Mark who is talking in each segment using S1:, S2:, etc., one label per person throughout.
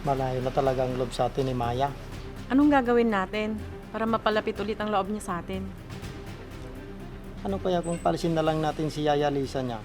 S1: Malayo na talaga ang loob sa atin ni Maya.
S2: Anong gagawin natin para mapalapit ulit ang loob niya sa atin?
S1: Ano kaya kung palisin na lang natin si Yaya Lisa niya?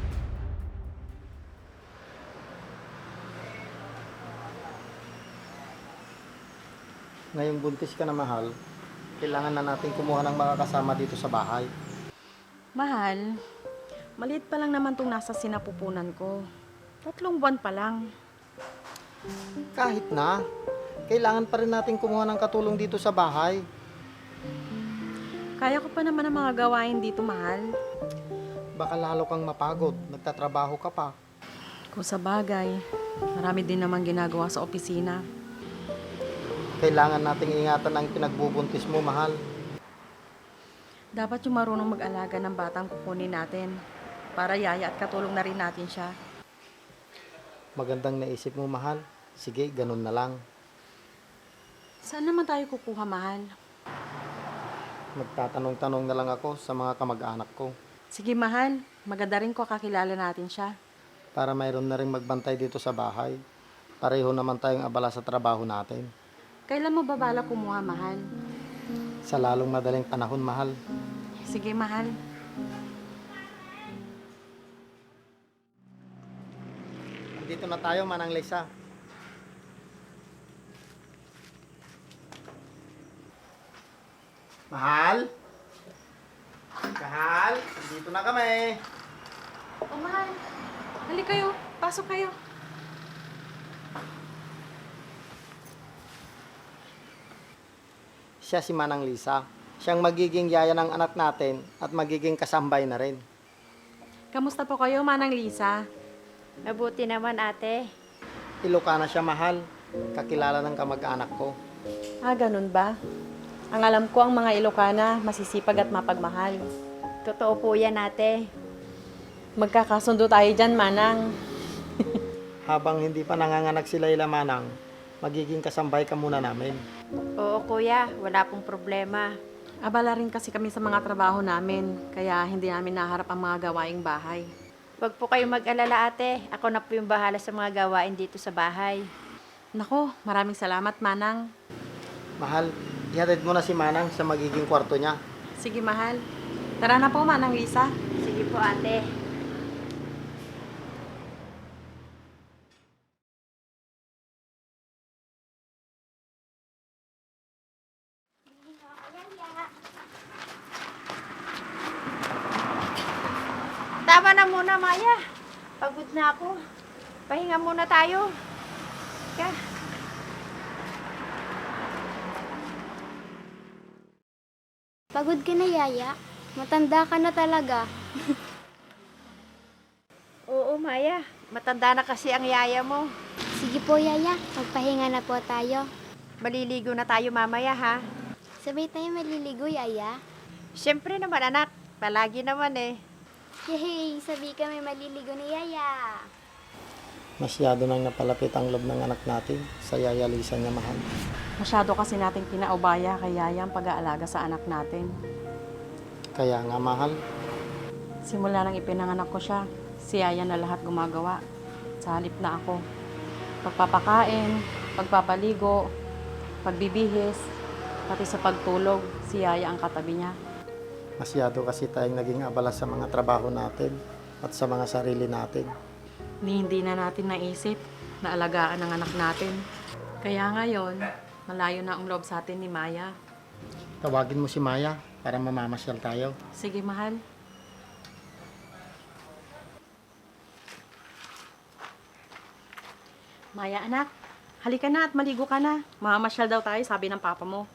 S1: Ngayong buntis ka na, mahal, kailangan na natin kumuha ng mga kasama dito sa bahay.
S2: Mahal, maliit pa lang naman tong nasa sinapupunan ko. 3 buwan pa lang.
S1: Kahit na, kailangan pa rin natin kumuha ng katulong dito sa bahay.
S2: Kaya ko pa naman ang mga gawain dito, mahal.
S1: Baka lalo kang mapagod, nagtatrabaho ka pa.
S2: Kung sa bagay, marami din naman ginagawa sa opisina.
S1: Kailangan nating ingatan ang pinagbubuntis mo, mahal.
S2: Dapat yung marunong mag-alaga ng batang kukunin natin para yaya at katulong na rin natin siya.
S1: Magandang naisip mo, mahal. Sige, ganun na lang.
S2: Saan naman tayo kukuha, mahal?
S1: Magtatanong-tanong na lang ako sa mga kamag-anak ko
S2: Sige, mahal. Maganda rin ko kakilala natin siya.
S1: para mayroon na rin magbantay dito sa bahay. Pareho naman tayong abala sa trabaho natin.
S2: Kailan mo ba balak kumuha, mahal?
S1: Sa lalong madaling panahon, mahal.
S2: Sige, mahal.
S1: Dito na tayo, Manang Lisa. Mahal? Mahal? Dito na kami.
S2: Oh, mahal. Halika kayo. Pasok kayo.
S1: Siya si Manang Lisa. Siyang magiging yaya ng anak natin at magiging kasambay na rin.
S2: Kamusta po kayo, Manang Lisa?
S3: Mabuti naman, ate.
S1: Ilocana siya, mahal. Kakilala ng kamag-anak ko.
S2: Ah, ganun ba? Ang alam ko, ang mga Ilocana, masisipag at mapagmahal.
S3: Totoo po yan, ate.
S2: Magkakasundo tayo dyan, Manang.
S1: Habang hindi pa nanganganak si Layla, Manang, magiging kasambay ka muna namin.
S3: Oo, kuya. Wala pong problema.
S2: Abala rin kasi kami sa mga trabaho namin, kaya hindi namin naharap ang mga gawaing bahay.
S3: Huwag po kayong mag-alala, ate. Ako na po yung bahala sa mga gawain dito sa bahay.
S2: Nako, maraming salamat, Manang.
S1: Mahal, ihatid mo na si Manang sa magiging kwarto niya.
S2: Sige, mahal. Tara na po, Manang Lisa.
S3: Sige po, ate. Tama na muna, Maya. Pagod na ako. Pahinga muna tayo. Ka.
S4: Pagod ka na, Yaya. Matanda ka na talaga.
S3: Oo, Maya. Matanda na kasi ang yaya mo.
S4: Sige po, Yaya. Magpahinga na po tayo.
S3: Maliligo na tayo mamaya, ha?
S4: Sabay tayo maliligo, Yaya.
S3: Siyempre naman, anak. Palagi naman eh.
S4: Yay! Sabi kami maliligo ni Yaya.
S1: Masyado nang napalapit ang loob ng anak natin sa Yaya Lisa niya, mahal.
S2: Masyado kasi nating pinaubaya kay Yaya ang pag-aalaga sa anak natin.
S1: Kaya nga, mahal,
S2: Simula nang ipinanganak ko siya, si Yaya na lahat gumagawa. Sa halip na ako. Pagpapakain, pagpapaligo, pagbibihis, pati sa pagtulog, si Yaya ang katabi niya.
S1: masyado kasi tayong naging abala sa mga trabaho natin at sa mga sarili natin.
S2: Hindi na natin naisip na alagaan ang anak natin. Kaya ngayon, malayo na ang loob sa atin ni Maya.
S1: Tawagin mo si Maya para mamamasyal tayo.
S2: Sige, mahal. Maya, anak. Halika na at maligo ka na. Mamamasyal daw tayo, sabi ng papa mo.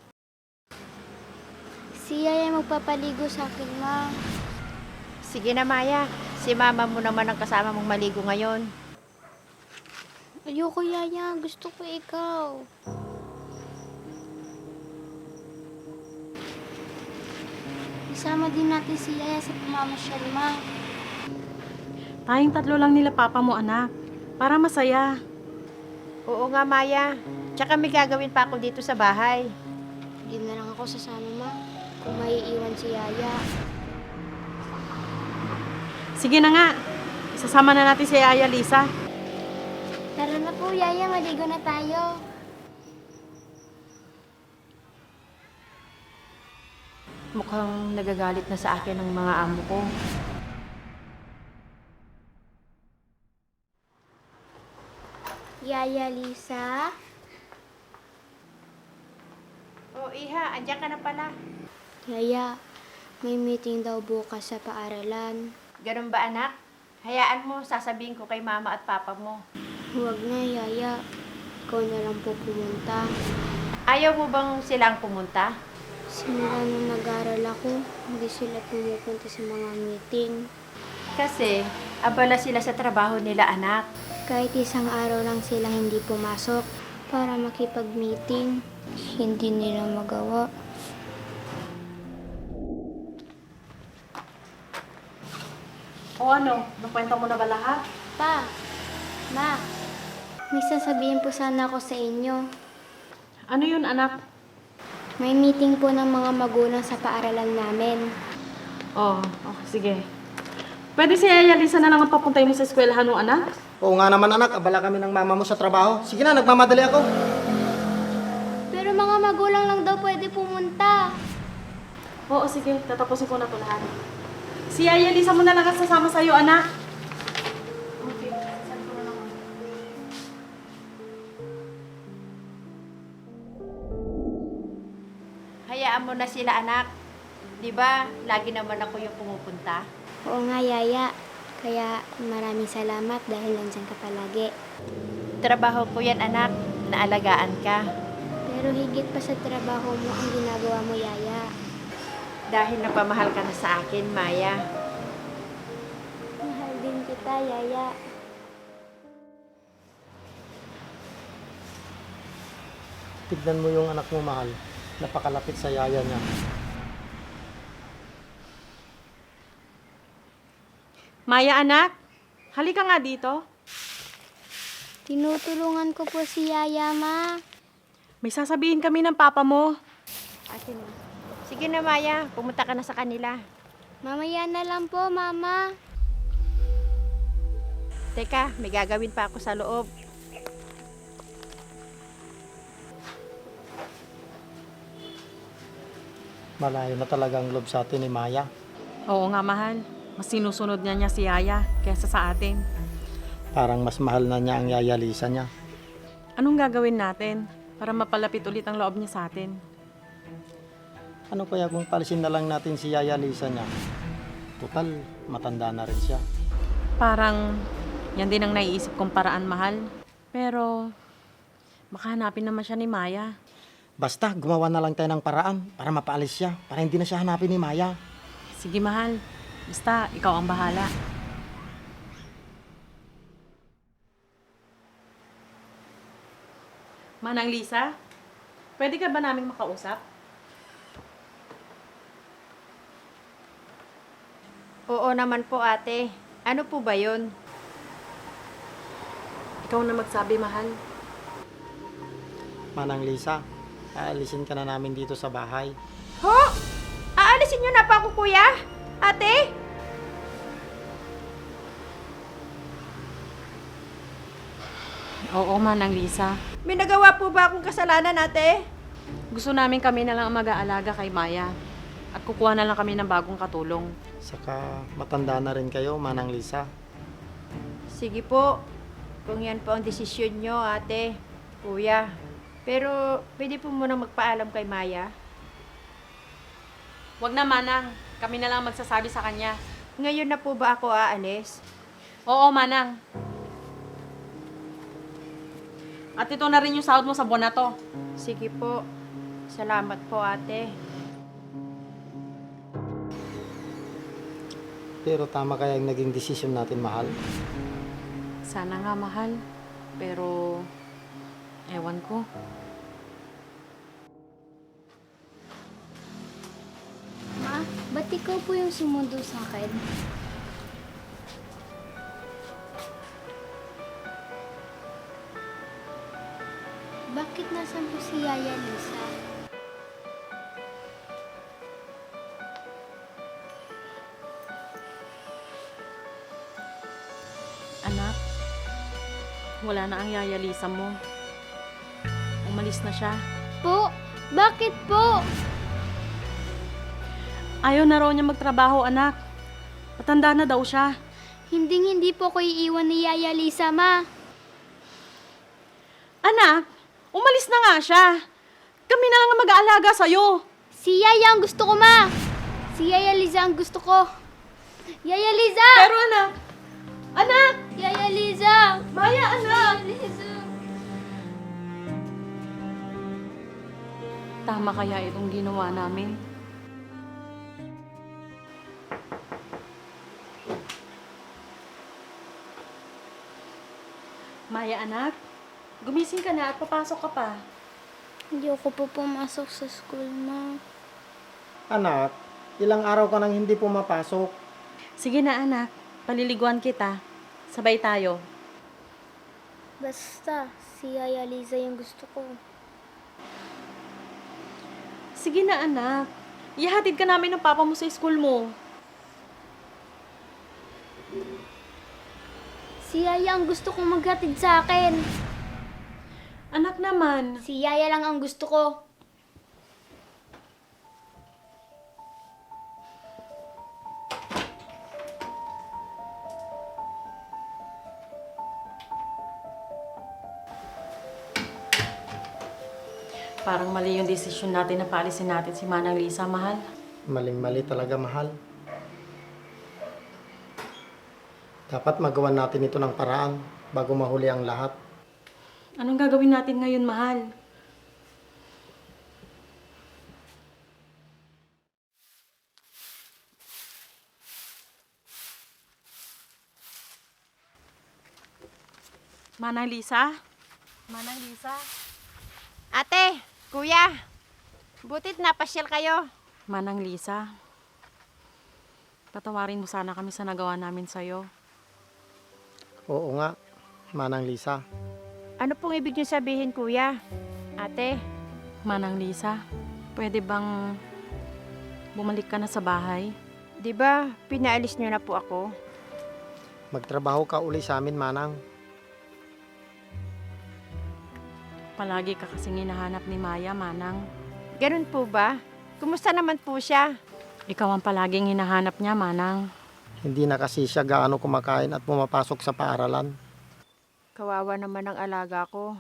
S4: Si Yaya magpapaligo sa akin, Ma.
S3: Sige na, Maya. Si mama mo naman ang kasama mong maligo ngayon.
S4: Ayoko, Yaya. Gusto ko ikaw. Isama din natin si Yaya sa pamamasyal, Ma.
S2: Tayong 3 lang nila papa mo, anak. Para masaya.
S3: Oo nga, Maya. Tsaka may gagawin pa ako dito sa bahay.
S4: Hindi na lang ako sasama, Ma. Kung maiiwan si Yaya.
S2: Sige na nga. Isasama na natin si Yaya Lisa.
S4: Tara na po, Yaya. Maligo na tayo.
S3: Mukhang nagagalit na sa akin ang mga amo ko.
S4: Yaya Lisa?
S3: Oh, Iha, andiyan ka na pala.
S4: Yaya, may meeting daw bukas sa paaralan.
S3: Ganun ba, anak? Hayaan mo, sasabihin ko kay mama at papa mo.
S4: Huwag na, Yaya. Ikaw na lang po pumunta.
S3: Ayaw mo bang silang pumunta?
S4: Simula nung nag-aral ako, hindi sila pumupunta sa mga meeting.
S3: Kasi, abala sila sa trabaho nila, anak.
S4: Kahit isang araw lang sila hindi pumasok para makipag-meeting, hindi nila magawa.
S2: O ano, nakwenta mo na ba lahat?
S4: Pa, Ma, may sasabihin po sana ako sa inyo.
S2: Ano yun, anak?
S4: May meeting po ng mga magulang sa paaralan namin.
S2: Oh, okay, sige. Pwede si Yaya Lisa na lang ang papuntay mo sa eskwelahan mo, anak?
S1: Oo nga naman anak, abala kami ng mama mo sa trabaho. Sige na, nagmamadali ako.
S4: Pero mga magulang lang daw pwede pumunta.
S2: Oo, sige. Tatapusin ko na ito lahat. Si Yaya Lisa mo na lang ang sasama sa'yo, anak. Okay. Sasali ko na lang.
S3: Hayaan mo na sila, anak. Di ba, lagi naman ako yung pumupunta.
S4: Oo nga, Yaya. Kaya maraming salamat dahil nandyan ka palagi.
S3: Trabaho ko yan, anak. Naalagaan ka.
S4: Pero higit pa sa trabaho mo ang ginagawa mo, Yaya.
S3: Dahil napamahal ka na sa akin, Maya.
S4: Mahal din kita, Yaya.
S1: Tignan mo yung anak mo mahal. Napakalapit sa yaya niya.
S2: Maya, anak. Halika nga dito.
S4: Tinutulungan ko po si Yaya, Ma.
S2: May sasabihin kami ng papa mo.
S3: Akin na. Sige na, Maya. Pumunta ka na sa kanila.
S4: Mamaya na lang po, Mama.
S3: Teka, may gagawin pa ako sa loob.
S1: Malayo na talaga ang loob sa atin ni Maya.
S2: Oo nga, mahal. Mas sinusunod niya si Yaya kaysa sa atin.
S1: Parang mas mahal na niya ang yaya Lisa niya.
S2: Anong gagawin natin para mapalapit ulit ang loob niya sa atin?
S1: Ano kaya kung palisin na lang natin si yaya Lisa niya? Total, matanda na rin siya.
S2: Parang yan din ang naiisip kong paraan, mahal. Pero makahanapin naman siya ni Maya.
S1: Basta, gumawa na lang tayo ng paraan para mapaalis siya, para hindi na siya hanapin ni Maya.
S2: Sige, mahal. Basta, ikaw ang bahala. Manang Lisa, pwede ka ba naming makausap?
S3: Oo naman po, ate. Ano po ba yun?
S2: Ikaw na magsabi, mahal.
S1: Manang Lisa, aalisin ka na namin dito sa bahay.
S3: Ho? Aalisin niyo na pa ako, kuya? Ate?
S2: Oo, Manang Lisa.
S3: May nagawa po ba akong kasalanan, ate?
S2: Gusto namin kami na lang ang mag-aalaga kay Maya. At kukuha na lang kami ng bagong katulong.
S1: Saka matanda na rin kayo, Manang Lisa.
S3: Sige po. Kung yan po ang desisyon nyo, ate, kuya. Pero pwede po muna magpaalam kay Maya.
S2: Huwag na, Manang. Kami na lang magsasabi sa kanya.
S3: Ngayon na po ba ako aalis?
S2: Oo, Manang. At ito na rin yung sahod mo sa buwan na to.
S3: Sige po. Salamat po, ate.
S1: Pero tama kaya yung naging desisyon natin, mahal.
S2: Sana nga, mahal. Pero, ewan ko.
S4: Ma, ba't ikaw po yung sumundo sa akin? Bakit nasan po si Yaya Lisa?
S2: Anak, Wala na ang Yaya Lisa mo. Umalis na siya.
S4: Po, bakit po?
S2: Ayaw na raw niya magtrabaho, anak. Matanda na daw siya.
S4: Hindi po ko iiwan ni Yaya Lisa, ma.
S2: Anak, umalis na nga siya. Kami na lang ang mag-aalaga sa'yo.
S4: Si Yaya ang gusto ko, ma. Si Yaya Liza ang gusto ko. Yaya Liza!
S2: Pero anak!
S4: Yaya Liza!
S2: Maya, anak!
S4: Yaya Liza!
S2: Tama kaya itong ginawa namin? Maya, anak, gumising ka na at papasok ka pa.
S4: Hindi ako po pumasok sa school, ma.
S1: Anak, ilang araw ka nang hindi pumapasok.
S2: Sige na, anak. Paliliguan kita. Sabay tayo.
S4: Basta, si Yaya Liza yung gusto ko.
S2: Sige na, anak. Ihatid ka namin ng papa mo sa school mo.
S4: Si Yaya ang gusto kong maghatid sa akin.
S2: Anak naman.
S4: Si Yaya lang ang gusto ko.
S2: Parang mali yung desisyon natin na paalisin natin si Manang Lisa, mahal.
S1: Maling-mali talaga, mahal. Dapat magawa natin ito ng paraan bago mahuli ang lahat.
S2: Anong gagawin natin ngayon, mahal? Manang Lisa? Manang Lisa?
S3: Ate, kuya, butit napasyal kayo.
S2: Manang Lisa? Patawarin mo sana kami sa nagawa namin sa'yo.
S1: Oo nga, Manang Lisa.
S3: Ano pong ibig niyo sabihin, kuya? Ate,
S2: Manang Lisa, pwede bang bumalik ka na sa bahay?
S3: di ba pinaalis niyo na po ako?
S1: Magtrabaho ka uli sa amin, Manang.
S2: Palagi ka kasing hinahanap ni Maya, Manang.
S3: Ganun po ba? Kumusta naman po siya?
S2: Ikaw ang palaging hinahanap niya, Manang.
S1: Hindi na kasi siya gaano kumakain at pumapasok sa paaralan.
S3: Kawawa naman ang alaga ko.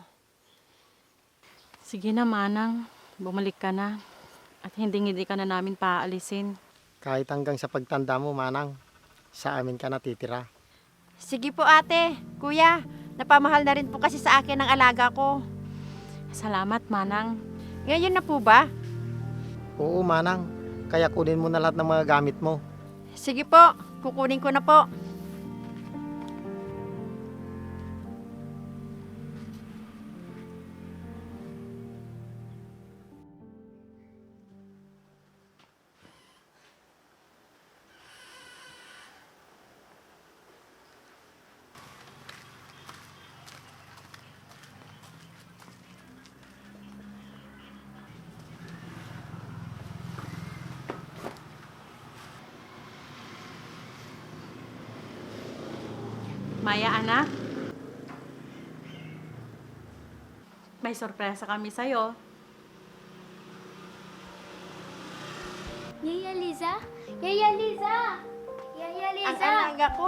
S2: Sige na, Manang. Bumalik ka na. At hindi ka na namin paaalisin.
S1: Kahit hanggang sa pagtanda mo, Manang, sa amin ka natitira.
S3: Sige po ate, kuya, napamahal na rin po kasi sa akin ang alaga ko.
S2: Salamat, Manang.
S3: Ngayon na po ba?
S1: Oo, Manang. Kaya kunin mo na lahat ng mga gamit mo.
S3: Sige po, kukunin ko na po.
S2: Maya, anak. May sorpresa kami sa'yo.
S4: Yaya Liza? Yaya Liza! Yaya
S3: Ang
S4: Liza!
S3: alaga ko.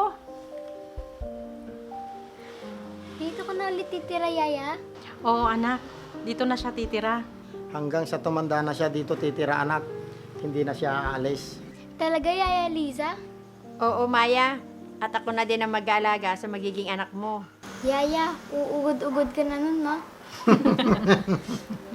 S4: Dito ko na ulit titira, Yaya?
S2: Oo, anak. Dito na siya titira.
S1: Hanggang sa tumanda na siya dito titira, anak. Hindi na siya aalis.
S4: Talaga, Yaya Liza?
S3: Oo, Maya. At ako na din ang mag-aalaga sa magiging anak mo.
S4: Yaya, uugod-ugod ka na nun, ma.